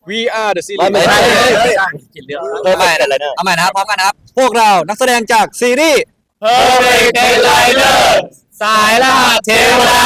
We are the ไม่ series ใช่เอาใหม่นะครับพร้อมกันนะครับพวกเรานักแสดงจากซีรีส์ Perfect Daylighter สายล่าเทวดา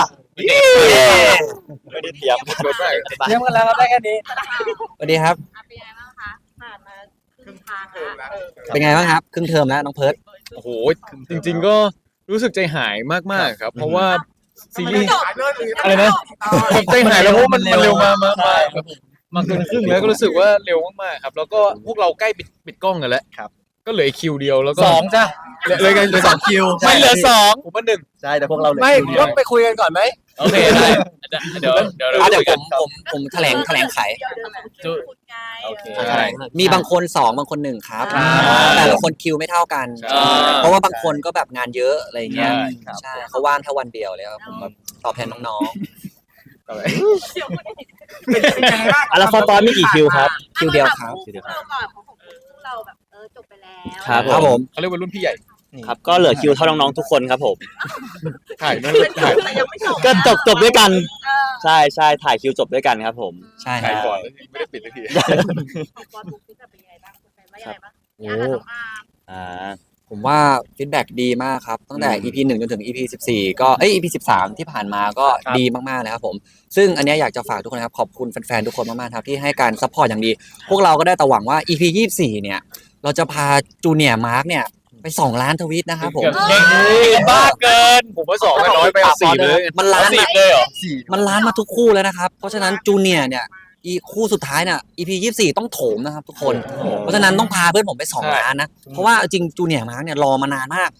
ไม่ได้เตรียมเยี่ยมกันแล้วครับได้แค่นี้สวัสดีครับเป็นยังไงบ้างคะผ่านมาครึ่งทางแล้วเป็นไงบ้างครับครึ่งเทอมแล้วน้องเพิร์ดโอ้โหจริงๆก็รู้สึกใจหายมากๆครับ เพราะว่าซีรีส์อะไรนะแบบใจหายแล้วเพราะมันเร็วมาเกินครึ่งแล้วก็รู้สึกว่าเร็วมากๆครับ แล้วก็พวกเราใกล้ปิดกล้องกันแล้วครับ ก็เหลือคิวเดียวแล้วก็2จ้ะเลยกันเหลือ2คิวไม่เหลือ2ผมว่า1 ใช่แต่พวกเราไม่ต้องไปคุยกันก่อนไหมโอเคได้เดี๋ยวผมแถลงไขคุณไงโอเคมีบางคน2บางคน1ครับแต่ละคนคิวไม่เท่ากัน เพราะว่าบางคนก็แบบงานเยอะอะไรเงี้ยใช่เขาว่างแค่วันเดียวเลยครับผมแบบตอบแทนน้องเป็นยังไงบ้างแล้วฟอร์ตอนมีกี่คิวครับๆคิวเดียวครับเราก่อนของเราแบบจบไปแล้วครับผมเขาเรียกว่ารุ่นพี่ใหญ่ครับก็เหลือคิวเท่าน้องๆทุกคนครับผมถ่ายนั่นถ่ายยังไม่จบก็จบด้วยกันใช่ถ่ายคิวจบด้วยกันครับผมใช่คถ่ายรับก่อนไม่ได้ปิดสักทีของบอลบุ๊กนี่เป็นยังไงบ้างเป็นว่ายังไงบ้างอ่าผมว่าฟีดแบ็กดีมากครับตั้งแต่ EP 1จนถึง EP 14ก็EP 13ที่ผ่านมาก็ดีมากๆเลยครับผมซึ่งอันนี้อยากจะฝากทุกคนครับขอบคุณแฟนๆทุกคนมากๆครับที่ให้การซัพพอร์ตอย่างดี พวกเราก็ได้แต่หวังว่า EP 24เนี่ยเราจะพาจูเนียร์มาร์กเนี่ยไป2 ล้านทวิตนะครับผมบ้าเกินผมว่า2ก็น้อยไป4เลยมันล้าน 10เลยเหรอมันล้านมาทุกคู่แล้วนะครับเพราะฉะนั้นจูเนียร์เนี่ยอีคู่สุดท้ายเนี่ย EP 24ต้องโถมนะครับทุกคนเพราะฉะนั้นต้องพาเพื่อนผมไป2 ล้านนะเพราะว่าจริงจูเนียร์มาร์กเนี่ยรอมานานมาก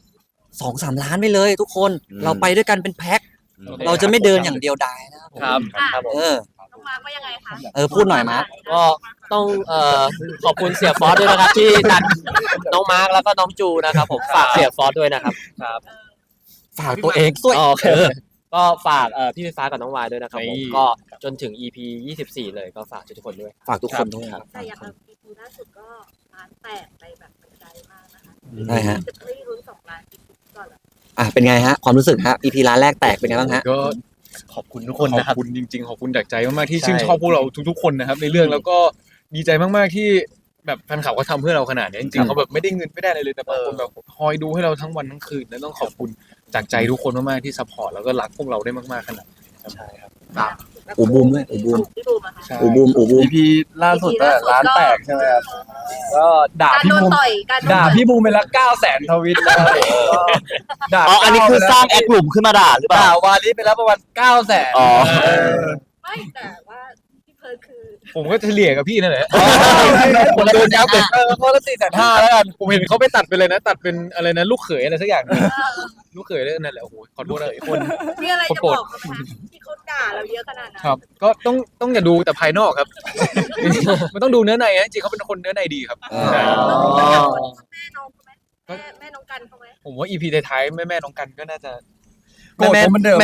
2-3 ล้านไปเลยทุกคนเราไปด้วยกันเป็นแพ็คเราจะไม่เดินอย่างเดียวดายนะครับผมครับน้องมาร์กว่ายังไงคะพูดหน่อยมาร์คก็ต้องขอบคุณเสียฟอสด้วยนะครับที่ดันน้องมาร์คแล้วก็น้องจูนะครับผมฝากเสียฟอสด้วยนะครับฝากตัวเองด้วยโอเคก็ฝากพี่ไฟฟ้ากับน้องวายด้วยนะครับผมก็จนถึง EP 24เลยก็ฝากทุกคนด้วยฝากทุกคนด้วยครับแต่อย่างเรา EP ล่าสุดก็ล้านแตกไปแบบไกลมากนะคะใช่ฮะจะไม่รุ้น2 ล้านอีกก่อนเหรอเป็นไงฮะความรู้สึกฮะ EP ล้านแรกแตกเป็นไงบ้างฮะก็ขอบคุณทุกคนนะคขรัอบบคุณจริงๆขอบคุณจากใจมากๆที่ชื่นชอบพวกเราทุกๆคนนะครับในเรื่องแล้วก็ดีใจมากๆที่แบบแฟนคลับเขาทำเพื่อเราขนาดนี้จริงๆเขาแบบไม่ได้เงินไม่ได้อะไรเลยแต่บางคนแบบคอยดูให้เราทั้งวันทั้งคืนและต้องขอบคุณจากใจทุกคนมากๆที่ซัพพอร์ตแล้วก็รักพวกเราได้มากๆขนาดนี้ใช่ครับอูบูมด้วยอูบูมพี่บูมอะค่ะอูบูม EP ล่าสุดล้านแตกใช่ไหมครับก็ด่าการพี่โดนบูมต่อยการโดนด่าต่อยพี่บูมไปละ900,000ทวิตแล้วด่าอ๋ออันนี้คือสร้างแอคกลุ่มขึ้นมาด่าหรือเปล่าด่าวาลิไปแล้วประมาณ900,000 อ๋อไม่แต่ว่าพี่เพิร์ดคือผมก็เฉลี่ยกับพี่นั่นแหละผมโดนยับเลยคนละ450,000แล้วกันผมเห็นเขาไปตัดไปเลยนะตัดเป็นอะไรนะลูกเขยอะไรสักอย่างนึงลูกเขยเลยนั่นแหละโอ้โหขอโทษเลยคนมีอะไรจะบอกเขาไหมที่เขาด่าเราเยอะขนาดนั้นครับก็ต้องอย่าดูแต่ภายนอกครับ มันต้องดูเนื้อในนะจริงๆเขาเป็นคนเนื้อในดีครับแม่น้องเขาไหมแม่น้องกันเขาไหมผมว่า EP ท้ายๆแม่น้องกันก็น่าจะแม่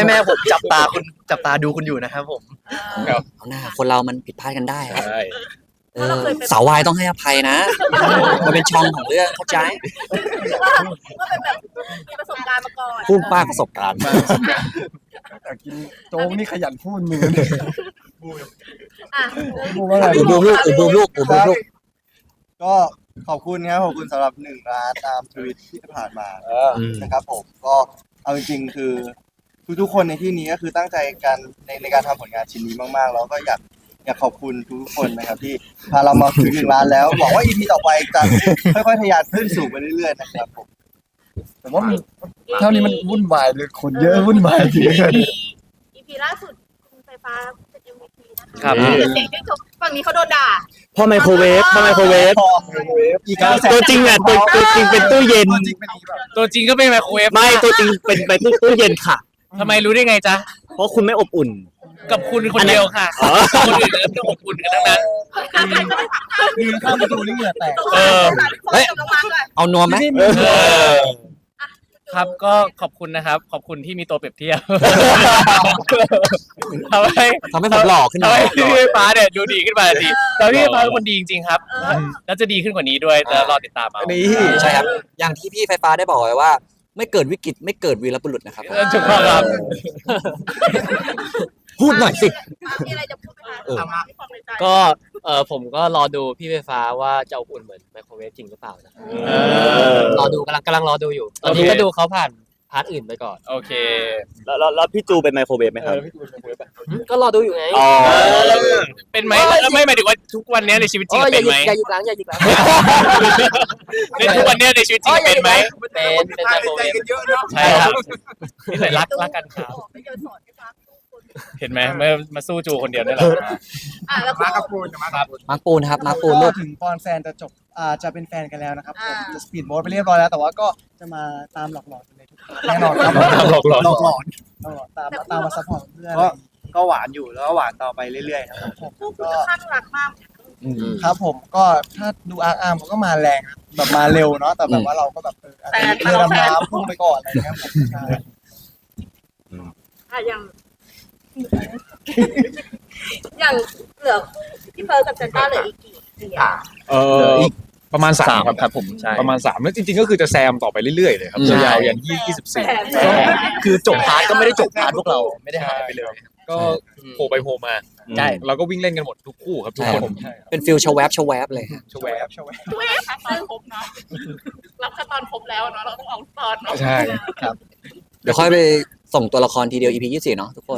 ผมจับตาดูคุณอยู่นะครับผมเอาหน้าคนเรามันผิดพลาดกันได้ครับใช่สาววายต้องให้อภัยนะมันเป็นช่องของเรื่องเข้าใจว่าเป็นแบบมีประสบการณ์มาก่อนพูดป้าประสบการณ์แต่กินโจ๊กนี่ขยันพูดมืออ่ะพูดว่าอะไรอูบูมลูกอูบูมลูกอูบูมลูกก็ขอบคุณครับขอบคุณสำหรับ1 ล้านตามทวิตที่ผ่านมานะครับผมก็เอาจริงๆคือทุกๆคนในที่นี้ก็คือตั้งใจกันในการทำผลงานชิ้นนี้มากๆแล้วก็อยากขอบคุณทุกๆคนนะครับที่พาเรามาถึง1 ล้านแล้วหวังว่า EP ต่อไปจะค่อยๆทะยานขึ้นสูงไปเรื่อยๆนะครับผมแต่ว่ามันเท่านี้มันวุ่นวายเลยคนเยอะวุ่นวายจริง EP ล่าสุดคุณไฟฟ้าเป็น MVP นะคะครับเสียงที่จบฝั่งนี้เขาโดนด่าพ่อไมโครเวฟอีกตัวจริงอ่ะตัวจริงเป็นตู้เย็นตัวจริงก็เป็นไมโครเวฟไม่ตัวจริงเป็นตู้เย็นค่ะทำไมรู้ได้ไงจ๊ะเพราะคุณไม่อบอุ่นกับคุณคนเดียวค่ะอ๋อคนอื่นก็ต้องอบอุ่นกันทั้งนั้นยืนข้ามประตูนี่เหงื่อแตกเฮ้ย เอานวมไหมครับก็ขอบคุณนะครับขอบคุณที่มีตัวเปรียบเทียบทำให้ทำให้ผมหล่อขึ้นทำมาให้พี่ไฟฟ้าเนี่ยดูดีขึ้นมาทันทีแต่พี่ไฟฟ้าเป็นคนดีจริงๆครับแล้วจะดีขึ้นกว่านี้ด้วยแต่รอติดตามเอานี่ใช่ครับอย่างที่พี่ไฟฟ้าได้บอกไว้ว่า ไม่เกิดวิกฤตไม่เกิดวีรบุรุษนะครับถูกต้องครับพูดหน่อยสิมีอะไรจะพูดไหมคะเออที่ความในใจก็ผมก็รอดูพี่ไฟฟ้าว่าจะอบอุ่นเหมือนไมโครเวฟจริงหรือเปล่านะรอดูกำลังรอดูอยู่ ตอนนี้ก็ดูเขาผ่านพาร์ทอื่นไปก่อนโอเคแล้วพี่จูเป็นไมโครเวฟไหมครับก็รอดูอยู่ไงอ๋อเป็นไหมแล้วไม่หมายถึงว่าทุกวันนี้ในชีวิตจริงอย่าเป็นหยุไหมดอย่าหยุดล้างอย่าหยุดล้างในทุกวันนี้ในชีวิตจริงเป็นไหมเป็นไมโครเวฟใช่ครับนี่เลยรักกันครับไม่เดินสอนไม่ฟังทุกคนเห็นไหมมาสู้จูคนเดียวนี่แหละแล้วก็มากับปูนครับมาร์คปูนครับมาร์คปูนลูกถึงตอนแฟนจะจบจะเป็นแฟนกันแล้วนะครับผมอ่าจะสปีดโบ๊ทไปเรียบร้อยแล้วแต่ว่าก็จะมาตามหลอกหลอนกันเลยทุกคนแน่นอนครับหลอกหลอนหลอกหลอนตามมาซัพพอร์ตเพื่อนก็หวานอยู่แล้วก็หวานต่อไปเรื่อยๆครับผมคู่คุณจะข้างรักมากครับผมก็ถ้าดูอาร์มเขาก็มาแรงนะแบบมาเร็วเนาะแต่แบบว่าเราก็แบบเรือดำน้ำพุ่งไปก่อนอะไรเงี้ยผมใช่อย่างอย่างเหลือพี่เฟิร์สกับเซนต้าเหลืออีกกี่เสียงอีกประมาณ3ครับครับผมใช่ประมาณ3แล้วจริงๆก็คือจะแซมต่อไปเรื่อยๆเลยครับใช่ยาวๆยัน24 คือจบพาร์ทก็ไม่ได้จบพาร์ทพวกเราไม่ได้หายไปเลยก็โผล่ไปโผล่มาใช่เราก็วิ่งเล่นกันหมดทุกคู่ครับทุกคนเป็นฟิลชวแวบเลยชวแวบตอนครบเนาะรับแค่ตอนครบแล้วเนาะเราต้องเอาตอนเนาะใช่เดี๋ยวค่อยไปส่งตัวละครทีเดียว EP 24เนาะทุกคน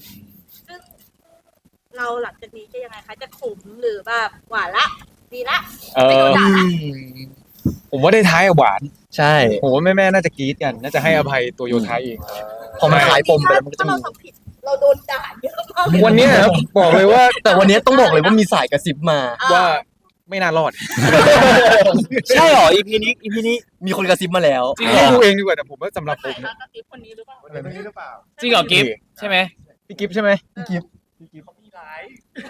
เราหลังจากนี้จะยังไงคะจะขมหรือแบบหวานละดีละเอไม่โดอนด่าละผมว่าได้ท้ายอะหวานใช่ผมว่าแม่ๆน่าจะกรี๊ดกัน น่าจะให้อภัยตัวโยธาเองพอมันคลายปมไปแล้วมันก็จะถ้ามีเราทำผิดเราโดนด่าเยอะมากวันเนี้ยครับบอกเลยว่าแต่วันนี้ต้องบอกเลยว่ามีสายกระซิบมาว่าไม่น่ารอดใช่หรอ EP นี้มีคนกระซิบมาแล้วจริงๆดูเองดีกว่าแต่ผมว่าสำหรับผมนะกระติบคนนี้หรือเปล่าจริงเหรอกิฟต์ใช่ไหมพี่กิฟต์ใช่ไหมเขามีร้าย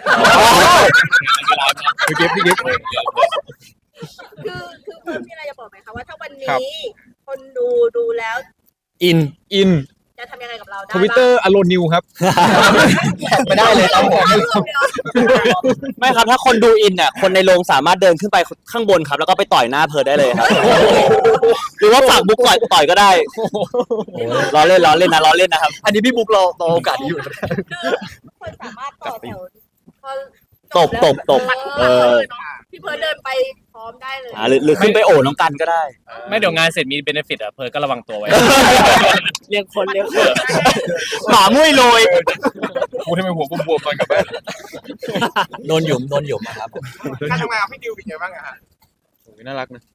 พี่กิฟต์คือเพิ่มมีอะไรจะบอกไหมคะว่าถ้าวันนี้คนดูแล้วอินจะทำยังไงกับเราได้ทวิตเตอร์อโลนิวครับไม่ได้เลยครับผม ไม่ครับถ้าคนดูอินเนี่ยคนในโรงสามารถเดินขึ้นไปข้างบนครับ แล้วก็ไปต่อยหน้าเพิร์ดได้เลยครับ หรือว่าฝากบุ๊กต่อยก็ได้ล้อเล่นนะครับ อันนี้พี่บุ๊กรอโอกาสนี้อยู่คนสามารถต่อแถวพอตบพี่เพิร์ดเดินไปพร้อมได้เลยหรือขึ้นไปโอบน้องกันก็ได้ไม่เดี๋ยวงานเสร็จมีเบนฟิตอ่ะเพิร์ลก็ระวังตัวไว้เรียกคนหมามุ้ยโรยกูทำไมหัวบวมๆตอนกลับบ้านโดนหยุมมาครับการทำงานกับพี่ดิวเป็นไงบ้างอะฮะโอ้ยน่ารักนะ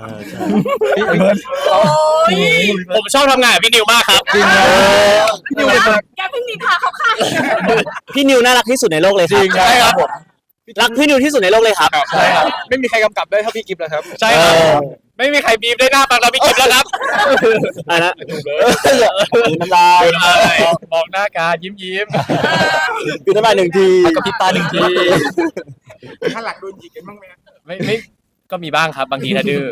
โอ้ยผมชอบทำงานกับพี่นิวมากครับจริงนะพี่นิวเป็นคนแกเพิ่งมีพาเขาค่ะพี่นิวน่ารักที่สุดในโลกเลยครับจริงใช่ครับรักพี่นิวที่สุดในโลกเลยครับใช่ครับไม่มีใครกำกับได้เท่าพี่กิฟต์แล้วครับใช่ครับไม่มีใครบีบได้หน้าปังเราพี่กิฟต์แล้วครับอะไรนะน้ำลายบอกหน้าการยิ้มคือน้ำลาย1 ทีกับพริบตา1 ทีถ้าหลักโดนยิงกันบ้างไหมไม่ก็มีบ้างครับบางทีถ้าดื้อ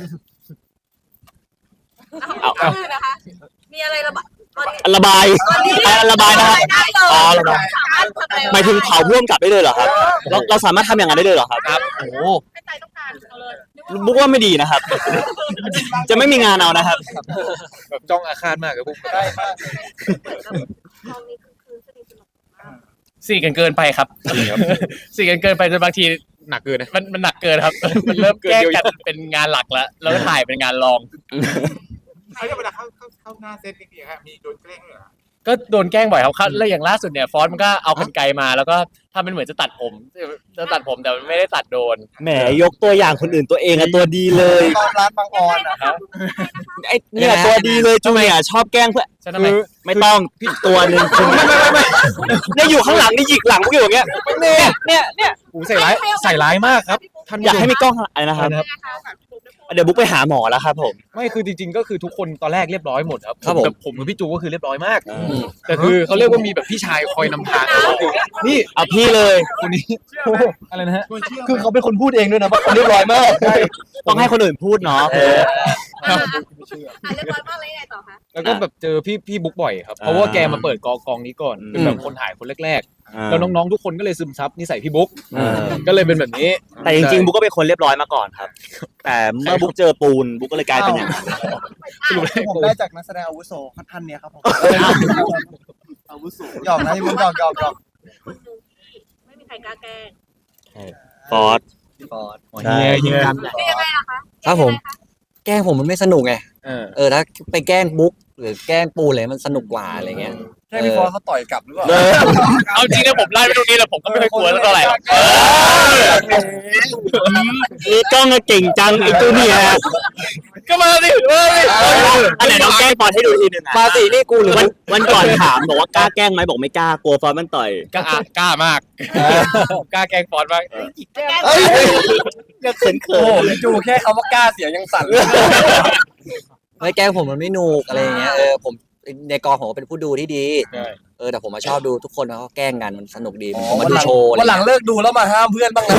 เอานะคะ มีอะไรระบายตอนนี้ระบายตอนนี้ระบายนะครับได้เลยอ๋อระบายสามารถทำอะไรหมายถึงเผาพ่วงกลับได้เลยเหรอครับ เราสามารถทำอย่างนั้นได้เลยเหรอครับครับโอ้โหให้ใจต้องการเอาเลยบุ๊กว่าไม่ดีนะครับ จะไม่มีงานเอานะครับแบบจ้องอาฆาตมากกับพวกได้มากเหมือนกับมองนี้คือสนิทสนมมากสี่กันเกินไปครับสี่กันเกินไปจนบางทีหนักเกินนะมันหนักเกินครับ มันเริ่มแก้กันเป็นงานหลักแล้วแล้วก็ถ่ายเป็นงานรองเขาจะเวลาเข้าหน้าเซตนี่ครับมีโดนแกล้งเหรอก็โดนแกล้งบ่อยครับแล้วอย่างล่าสุดเนี่ยฟอนต์มันก็เอากรรไกรมาแล้วก็ทำเป็นเหมือนจะตัดผมแต่มันไม่ได้ตัดโดนแหมยกตัวอย่างคนอื่นตัวเองอะตัวดีเลยตอนร้านบางออนอะไอ้เนี่ยตัวดีเลยจูเนี่ยชอบแกล้งเพื่อนใช่ทำไมไม่ต้องพี่ตัวหนึ่งคุณไม่เนี่ยอยู่ข้างหลังนี่หยิกหลังพวกอยู่อย่างเงี้ยเนี่ยโอ้ใส่ร้ายมากครับท่านอยากให้มีกล้องอะไรนะครับ เดี๋ยวบุ๊กไปหาหมอแล้วครับผมไม่คือจริงๆก็คือทุกคนตอนแรกเรียบร้อยหมดครับครับผมแต่ผมกับพี่จูก็คือเรียบร้อยมาก แต่คือเขาเรียกว่ามีแบบพี่ชายคอยนำทางนี่เอาพี่เลยคนนี้อะไรนะฮะคือเขาเป็นคนพูดเองด้วยนะว่าเขาเรียบร้อยมากต้องให้คนอื่นพูดเนาะเรียบร้อยมากเลยไงต่อคะแล้วก็แบบเจอพี่บุ๊กบ่อยครับเพราะว่าแกมาเปิดกองนี้ก่อนเป็นแบบคนถ่ายคนแรกๆแล้วน้องๆทุกคนก็เลยซึมซับนิสัยพี่บุ๊กก็เลยเป็นแบบนี้แต่จริงๆบุ๊กก็เป็นคนเรียบร้อยมาก่อนครับ แต่เมื่อบุ๊กเจอปูนบุ๊กก็เลยกลายเป็นอย่างนั้นผมได้จากนักแสดงอาวุโสท่านเนี้ยครับผมอาวุโสหยอกนะที่ผมหยอกคนหนึ่งที่ไม่มีใครกล้าแกล้งฟอร์ดเฮียคือยังไงล่ะคะครับผม แกล้งผมมันไม่สนุกไงเออถ้าไปแกล้งบุ๊กหรือแกล้งปูเลยมันสนุกกว่าอะไรเงี้ยแค่พี่ฟอสเขาต่อยกลับหรือเปล่าเอาจริงนะผมไล่ไปตรงนี้แล้วผมก็ไม่ค่อยกลัวเท่าไหร่หรอกนี่กล้องเก่งจังไอ้ตัวเนี่ยก็มาสิอันไหนน้องแกล้งฟอร์ดให้ดูทีหนึ่งอะมาสินี่กูหรือวันก่อนถามบอกว่ากล้าแกล้งไหมบอกไม่กล้ากลัวฟอร์ดมันต่อยกล้ามากกล้าแกล้งฟอนต์มากก็เขินโอ้โหพี่จูแค่คำว่ากล้าเสียงยังสั่นเลยไม่แกล้งผมมันไม่หนุกอะไรเงี้ยผมในกองผมเป็นผู้ดูที่ดีแต่ผมมาชอบดูทุกคนเขาแกล้งกันมันสนุกดีผมมาดูโชว์วันหลังเลิกดูแล้วมาห้ามเพื่อนบ้างนะ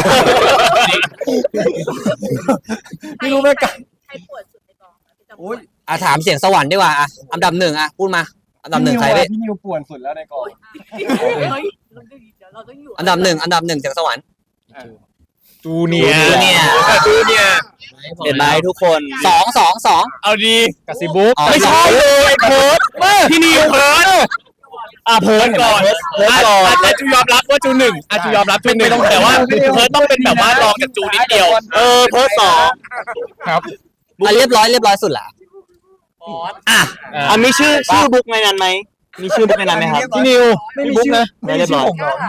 ไม่รู้ไหมกันใครปวดสุดในกองพี่จำโอ้ยถามเสียงสวรรค์ดีกว่าอันดับหนึ่งพูดมาอันดับหนึ่งใครเว้ยพี่นิวป่วนสุดแล้วในกองเฮ้ยเดี๋ยวเราต้องอยู่อันดับหนึ่งเสียงสวรรค์จูเนียร์จูเนียร์ เห็นไหมทุกคนสองเอาดีกาซิบุ๊กไม่ใช่เลยเพิร์ดพี่นิวเพิร์ดเพิร์ดก่อนอาจูยอมรับว่าจูหนึ่งอาจูยอมรับจูหนึ่งแต่ว่าเพิร์ดต้องเป็นแบบว่ารองจากจูนิดเดียวเพิร์ดสองเรียบร้อยสุดละมีชื่อบุ๊กในนั้นไหมมีชื่อบุ๊กในนั้นไหมครับพี่นิวพี่บุ๊กนะเรียบร้อย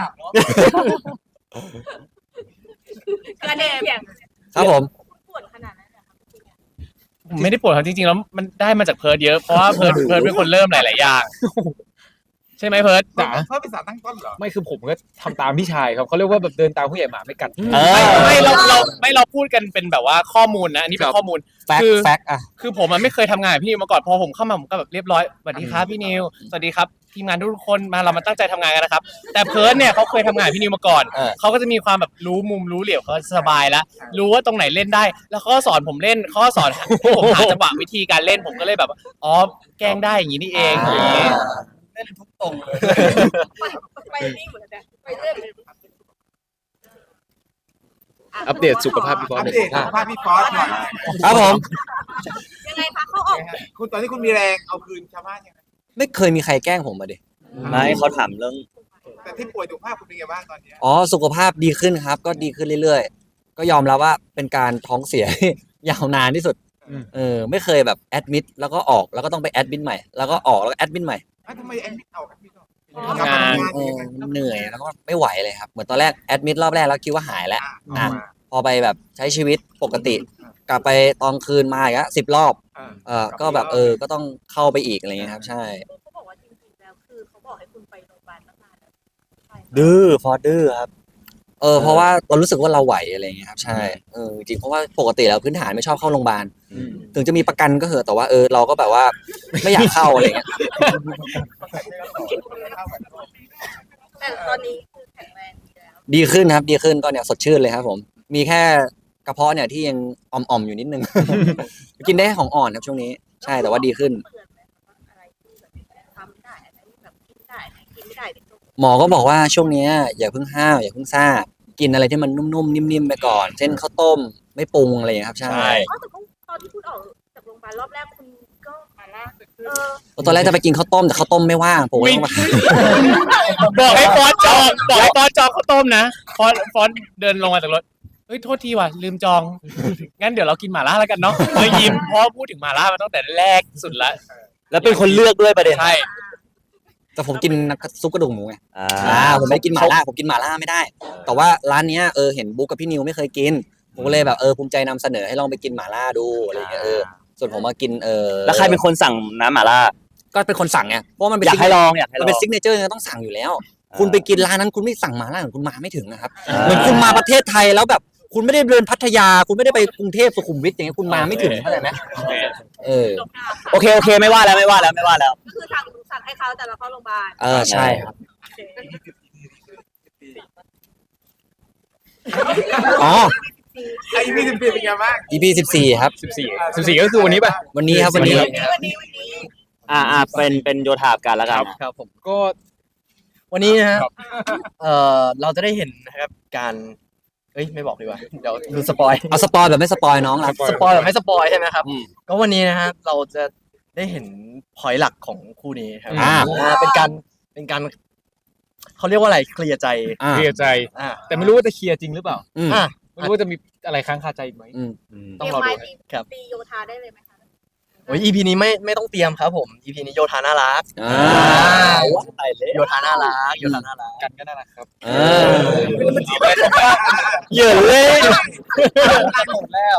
กระเด็นเสียงครับผมปวดขนาดนั้นเหรอคะผมไม่ได้ปวดครับจริงๆแล้วมันได้มาจากเพิร์ดเยอะเพราะว่าเพิร์ดเป็นคนเริ่มหลายๆอย่างใช่ไหมเพิร์ดจ๋าเขาเป็นสารตั้งต้นเหรอไม่คือผมก็ทำตามพี่ชายครับเขาเรียกว่าแบบเดินตามผู้ใหญ่หมาไม่กัดเราพูดกันเป็นแบบว่าข้อมูลนะอันนี้เป็นข้อมูลแฟกต์คือผมไม่เคยทำงานกับพี่นิวมาก่อนพอผมเข้ามาผมก็แบบเรียบร้อยสวัสดีครับพี่นิวสวัสดีครับทีมงานทุกคนมาเรามาตั้งใจทำงานกันนะครับแต่เพิร์ดเนี่ยเขาเคยทำงานกับพี่นิวมาก่อนเขาก็จะมีความแบบรู้มุมรู้เหลี่ยมเขาสบายแล้วรู้ว่าตรงไหนเล่นได้ แล้วเขาก็สอนผมเล่นเขาก็สอนให้ผมหาจังหวะวิธีการเล่นผมก็เลยแบบอ๋อแกล้งได้อย่างนี้นี่เองอย่างนี้เล่นทุกตรงเลยไปนี่เหมือนกันไปเรื่อยเลยอัปเดตสุขภาพพี่บอสอัปเดตสุขภาพพี่ฟอสหน่อยครับผมยังไงคะเขาออกคุณตอนนี้คุณมีแรงเอาคืนชาวบ้านยังไงไม่เคยมีใครแกล้งผมมาดิไม่เขาถามเรื่องแต่ที่ป่วยสุขภาพคุณเป็นไงบ้างตอนเนี้ยสุขภาพดีขึ้นครับ ก็ดีขึ้นเรื่อยๆก็ยอมรับว่าเป็นการท้องเสีย ยาวนานที่สุดไม่เคยแบบแอดมิดแล้วก็ออกแล้วก็ต้องไปแอดมิดใหม่แล้วก็ออกแล้วก็แอดมิดใหม่ทำไมแอนมิดเอาแอนมิดทำงานเหนื่อยแล้วก็ไม่ไหวเลยครับเหมือนตอนแรกแอดมิดรอบแรกแล้วคิดว่าหายแล้วพอไปแบบใช้ชีวิตปกติ กลับไปตอนคืนมาอีก10 รอบก็แบบก็ต้องเข้าไปอีกอะไรเงี้ยครับใช่เขาบอกว่าจริงๆแล้วคือเขาบอกให้คุณไปโรงพยาบาลตั้งนานแล้วดื้อฟอร์ดดื้อครับเพราะว่าเรารู้สึกว่าเราไหวอะไรเงี้ยครับใช่จริงเพราะว่าปกติแล้วพื้นฐานไม่ชอบเข้าโรงพยาบาลถึงจะมีประกันก็เหอะแต่ว่าเราก็แบบว่าไม่อยากเข้าอะไรเงี้ยแต่ตอนนี้คือแข็งแรงดีแล้วดีขึ้นครับดีขึ้นก็เนี่ยสดชื่นเลยครับผมมีแค่กระเพาะเนี่ยที่ยังอ่อมๆอยู่นิดนึง กินได้ของอ่อนครับช่วงนี้ใช่แต่ว่าดีขึ้นเตือนไหมคะว่าอะไรที่แบบทำไม่ได้อะไรที่แบบกินได้กินไม่ได้เด็กต้องหมอก็บอกว่าช่วงเนี้ยอย่าเพิ่งห้าวอย่าเพิ่งซ่ากินอะไรที่มันนุ่มๆนิ่มๆไปก่อนเช่นข้าวต้มไม่ปรุงอะไรอย่างเงี้ยครับใช่อ๋อแต่ก็ตอนที่คุณออกจากโรงพยาบาลรอบแรกคุณก็มาล่าตอนแรกจะไปกินข้าวต้มแต่ข้าวต้มไม่ว่างผมก็ต้องมาบอกให้ฟอนต์จองข้าวต้มนะฟอนต์เดินลงมาจากรถเฮ้ยโทษทีว่ะลืมจองงั้นเดี๋ยวเรากินหม่าล่าแล้วกันเนาะเลยยิ้มเพราะพูดถึงหม่าล่ามาตั้งแต่แรกสุดละแล้วเป็นคนเลือกด้วยประเด็นใช่แต่ผมกินซุปกระดูกหมูไงผมไม่ได้กินหม่าล่าผมกินหม่าล่าไม่ได้ แต่ว่าร้านเนี้ยเห็นบุ๊กกับพี่นิวไม่เคยกินผมก็เลยแบบภูมิใจนำเสนอให้ลองไปกินหม่าล่าดูอะไรอย่างเงี้ยส่วนผมมากินแล้วใครเป็นคนสั่งน้ำหม่าล่าก็เป็นคนสั่งไงเพราะมันเป็นอยากให้ลองมันเป็นซิกเนเจอร์ต้องสั่งอยู่แล้ว คุณไปกินร้านนั้นคุณไม่สั่งหม่าล่าคุณมาไม่ถึงนะครับเหมือนคุณมาประเทศไทยแล้วแบบคุณไม่ได้เดินพัทยาคุณไม่ได้ไปกรุงเทพสุขุมวิทอย่างเงี้ยคุณมาไม่ถึงเข้าใจไหมโอเคไม่ว่าแล้วก็คือสั่งให้เขาแต่เราเข้าโรงพยาบาลใช่ครับอ๋อ EP 14เป็นไงบ้าง EP 14ครับ 14ก็คือวันนี้ป่ะวันนี้ครับวันนี้เป็นโยธากันแล้วกันครับผมก็วันนี้นะฮะเราจะได้เห็นนะครับการไม่บอกดีกว่าเดี๋ยวดูสปอยเอาสปอยแบบไม่สปอยน้องละสปอยแบบไม่สปอยใช่ไหมครับก็วันนี้นะฮะเราจะได้เห็นพอยต์หลักของคู่นี้ครับเป็นการเขาเรียกว่าอะไรเคลียร์ใจเคลียร์ใจอ่าแต่ไม่รู้ว่าจะเคลียร์จริงหรือเปล่าอ่ะไม่รู้ว่าจะมีอะไรค้างคาใจอีกไหมเตต้อรีงยมรอไม้ดูตีโยธาได้เลยไหมคะโอ้ย EP นี้ไม่ต้องเตรียมครับผม EP นี้โยธาน่ารักโยธาน่ารักโยธาน่ารักกันก็น่ารักครับเหยื่อเลยหมดแล้ว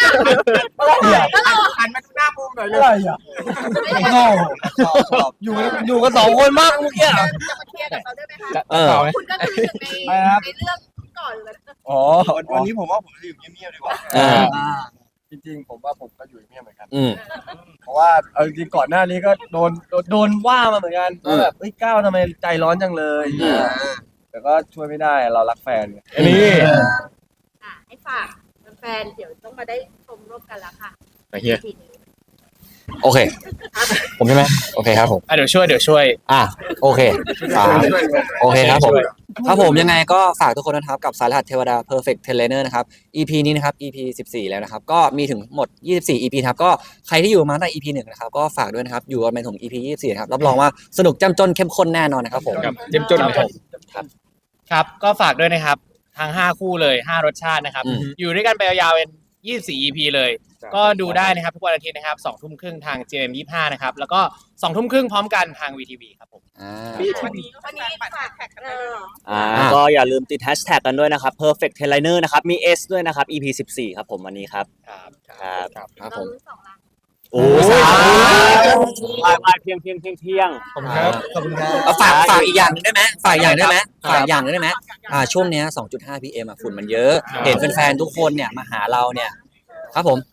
หันมาดูหน้ามุมหน่อยเลอะไรยอ่ะโง่อยู่กัน2 คนมากเมื่อกี้จะมาเคลียร์กับเราได้ไหมคะต่อไหมคุณก็คือหนึ่งในเรื่องก่อนเลยอ๋อวันนี้ผมว่าผมจะอยู่เงียบๆดีกว่าจริงๆผมว่าผมก็อยู่เงียบเหมือนกันอืมเพราะว่าเอาจริงๆก่อนหน้านี้ก็โดนว่ามาเหมือนกันว่าแบบเฮ้ยก้าวทำไมใจร้อนจังเลยแต่ก็ช่วยไม่ได้เรารักแฟนไงอันนี้ให้ฝากแฟนๆเดี๋ยวต้องมาได้ชมร่วมกันแล้วค่ะแต่เฮียทีนี้โอเค ผมใช่ไหมโอเคครับผมเดี๋ยวช่วยอ่ะโอเคโอเคครับผมครับผมยังไงก็ฝากทุกคนนะครับกับสายรหัสเทวดา Perfect Trainer นะครับ EP นี้นะครับ EP 14แล้วนะครับก็มีถึงหมด24 EP ครับก็ใครที่อยู่มาตั้งแต่ EP 1นะครับก็ฝากด้วยนะครับอยู่กันไปถึง EP 24นะครับรับรองว่าสนุกจ้ำจนเข้มข้นแน่นอนนะครับผมกับเจ้มจนครับครับก็ฝากด้วยนะครับทั้ง5คู่เลย5รสชาตินะครับ อยู่ด้วยกันไปยาวๆเป็น24 EP เลย ก็ดูได้นะครับทุกวันอาทิตย์นะครับ2 ทุ่มครึ่งทาง JM25 นะครับแล้วก็2 ทุ่มครึ่งพร้อมกันทาง VTV ครับผมวันนี้ฝากแท็กกันเลยก็อย่าลืมติดแฮชแท็กกันด้วยนะครับ perfect trainer นะครับมี S ด้วยนะครับ EP 14ครับผมวันนี้ครับครับผม โอ้ยเพียงขอบคุณครับขอบคุณครับฝากอีกอย่างหนึงได้ไหมฝากอย่างได้ไหมช่วงเนี้ย 2.5 PM ฝุ่นมันเยอะ เห็นแฟนๆทุกคนเนี่ยมาหาเราเนี่ยครับผม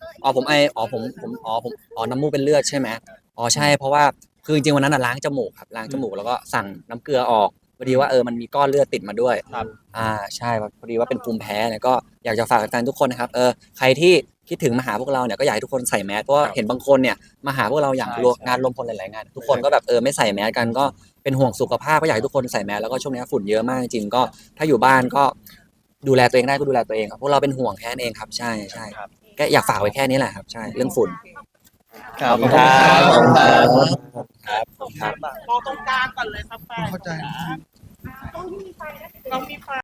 น้ำมูกเป็นเลือดใช่ไหมใช่เพราะว่าคือจริงๆวันนั้นล้างจมูกครับล้างจมูกแล้วก็สั่งน้ำเกลือออกพอดีว่ามันมีก้อนเลือดติดมาด้วยใช่พอดีว่าเป็นภูมิแพ้เนี่ยก็อยากจะฝากแฟนๆทุกคนนะครับใครที่คิดถึงมาหาพวกเราเนี่ยก็อยากให้ทุกคนใส่แมสเพราะว่าเห็นบางคนเนี่ยมาหาพวกเราอย่างงานรวมพลหลายๆงานทุกคนก็แบบไม่ใส่แมสกันก็เป็นห่วงสุขภาพก็อยากให้ทุกคนใส่แมสแล้วก็ช่วงนี้ฝุ่นเยอะมากจริงๆก็ถ้าอยู่บ้านก็ดูแลตัวเองได้ก็ดูแลตัวเองครับพวกเราเป็นห่วงแค่นั้นเองครับใช่ก็อยากฝากไว้แค่นี้แหละครับใช่เรื่องฝุ่นขอบคุณมองตรงกลางก่อนเลยครับแฟนเข้าใจต้องมีไฟ